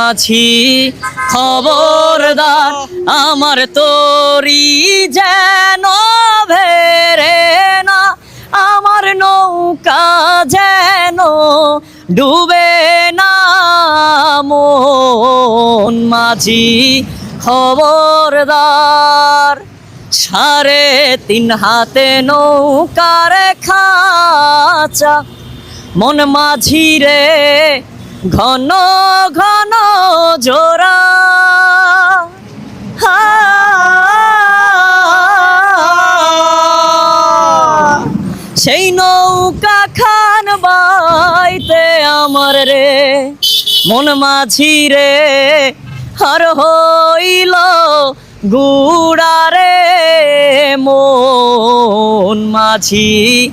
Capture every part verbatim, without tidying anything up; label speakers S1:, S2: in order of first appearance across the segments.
S1: মাঝি খবরদার আমার তরি যেন ভেরে না, আমার নৌকা যেন ডুবে না। মন মাঝি খবরদার, সাড়ে তিন হাতে নৌকার খাঁচা, মন মাঝি রে ঘন ঘন জোড়া। সেই নৌকা খান বাইতে আমার রে মন মাঝি রে হর হইল গুড়া রে। মন মাঝি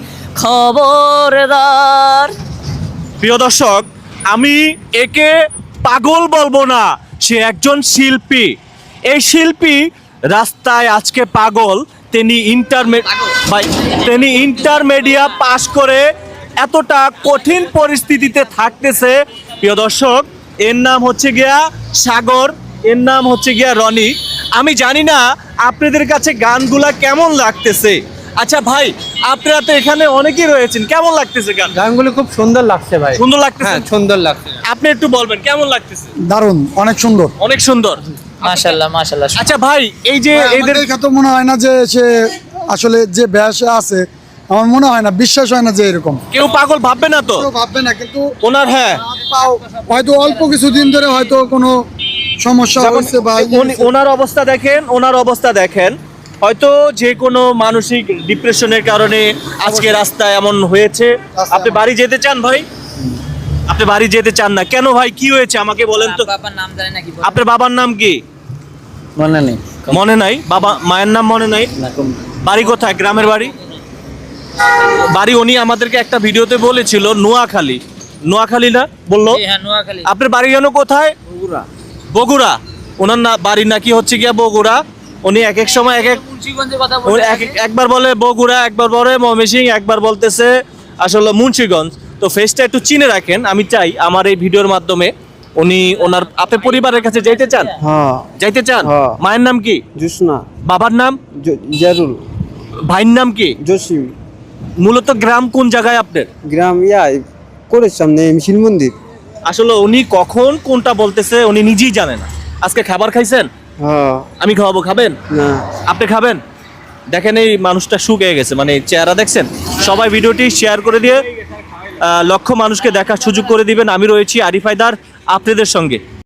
S1: খবরদার।
S2: প্রিয় দর্শক, আমি একে পাগল বলবো না, সে একজন শিল্পী। এই শিল্পী রাস্তায় আজকে পাগল। তিনি ইন্টারমে- ভাই তিনি ইন্টারমিডিয়েট পাশ করে এতটা কঠিন পরিস্থিতিতে থাকতেছে। প্রিয় দর্শক, এর নাম হচ্ছে গিয়া সাগর, এর নাম হচ্ছে গিয়া রনি। আমি জানি না আপনাদের কাছে গানগুলা কেমন লাগতেছে। আচ্ছা ভাই, আপনারা তো এখানে অনেকেই রয়েছেন, কেমন লাগতেছে গান?
S3: গানগুলো খুব সুন্দর লাগছে ভাই।
S2: সুন্দর লাগতেছে?
S3: হ্যাঁ, সুন্দর লাগছে।
S2: আপনি একটু বলবেন কেমন লাগতেছে?
S4: দারুণ, অনেক সুন্দর।
S2: অনেক সুন্দর,
S1: মাশাআল্লাহ মাশাআল্লাহ।
S2: আচ্ছা ভাই, এই যে এদের
S4: দেখে তো মনে হয় না যে সে আসলে যে ব্যাসে আছে, আমার মনে হয় না, বিশ্বাস হয় না যে এরকম
S2: কেউ পাগল ভাববে না তো?
S4: কেউ ভাববে না, কিন্তু
S2: ওনার হ্যাঁ
S4: হয়তো অল্প কিছুদিন ধরে হয়তো কোনো সমস্যা
S2: যেমন
S4: হচ্ছে বা
S2: উনি- ওনার অবস্থা দেখেন, ওনার অবস্থা দেখেন, হয়তো যে কোনো মানসিক ডিপ্রেশনের কারণে আজকে রাস্তায় এমন হয়েছে। আপনি বাড়ি যেতে চান ভাই? আপনি বাড়ি যেতে চান না কেন ভাই? কি হয়েছে আমাকে বলেন তো।
S1: বাবার নাম জানে নাকি?
S2: আপনার বাবার নাম কি
S1: মনে নেই।
S2: মনে নাই? বাবা মায়ের নাম মনে নাই? বাড়ি কোথায়? গ্রামের বাড়ি? বাড়ি উনি আমাদেরকে একটা ভিডিওতে বলেছিল নোয়াখালী। নোয়াখালী না বললো?
S1: হ্যাঁ, নোয়াখালী।
S2: আপনার বাড়ি যেন কোথায়? বগুড়া। বগুড়া। ওনার না বাড়ি নাকি হচ্ছে গিয়া বগুড়া। উনি এক এক সময় এক এক
S1: মুন্সিগঞ্জের কথা
S2: উনি এক এক- একবার বলে বগুড়া, একবার বলে ময়মনসিংহ, একবার বলতেছে আসলে মুন্সিগঞ্জ। তো ফেসটা একটু চিনে রাখেন। আমি চাই আমার এই ভিডিওর মাধ্যমে উনি ওনার আপনি পরিবারের কাছে যাইতে চান?
S3: হ্যাঁ,
S2: যাইতে চান?
S3: হ্যাঁ।
S2: মায়ের নাম কি?
S3: জুসনা,
S2: বাবার নাম?
S3: জারুল,
S2: ভাইয়ের নাম কি?
S3: জসিম।
S2: মূলত গ্রাম কোন জায়গায় আপনার?
S3: গ্রাম ইয়া করে সামনে মিছিল মন্দির।
S2: আসলে উনি কখন কোনটা বলতেছে উনি নিজেই জানে না। আজকে খাবার খাইছেন?
S3: হ্যাঁ।
S2: আমি খাওয়াবো, খাবেন?
S3: না।
S2: আপনি খাবেন? দেখেন এই মানুষটা শুকিয়ে গেছে, মানে চেহারা দেখছেন। সবাই ভিডিওটি শেয়ার করে দিয়ে আহ, লক্ষ মানুষকে দেখার সুযোগ করে দিবেন। আমি রয়েছি আরিফ হায়দার আপনাদের সঙ্গে।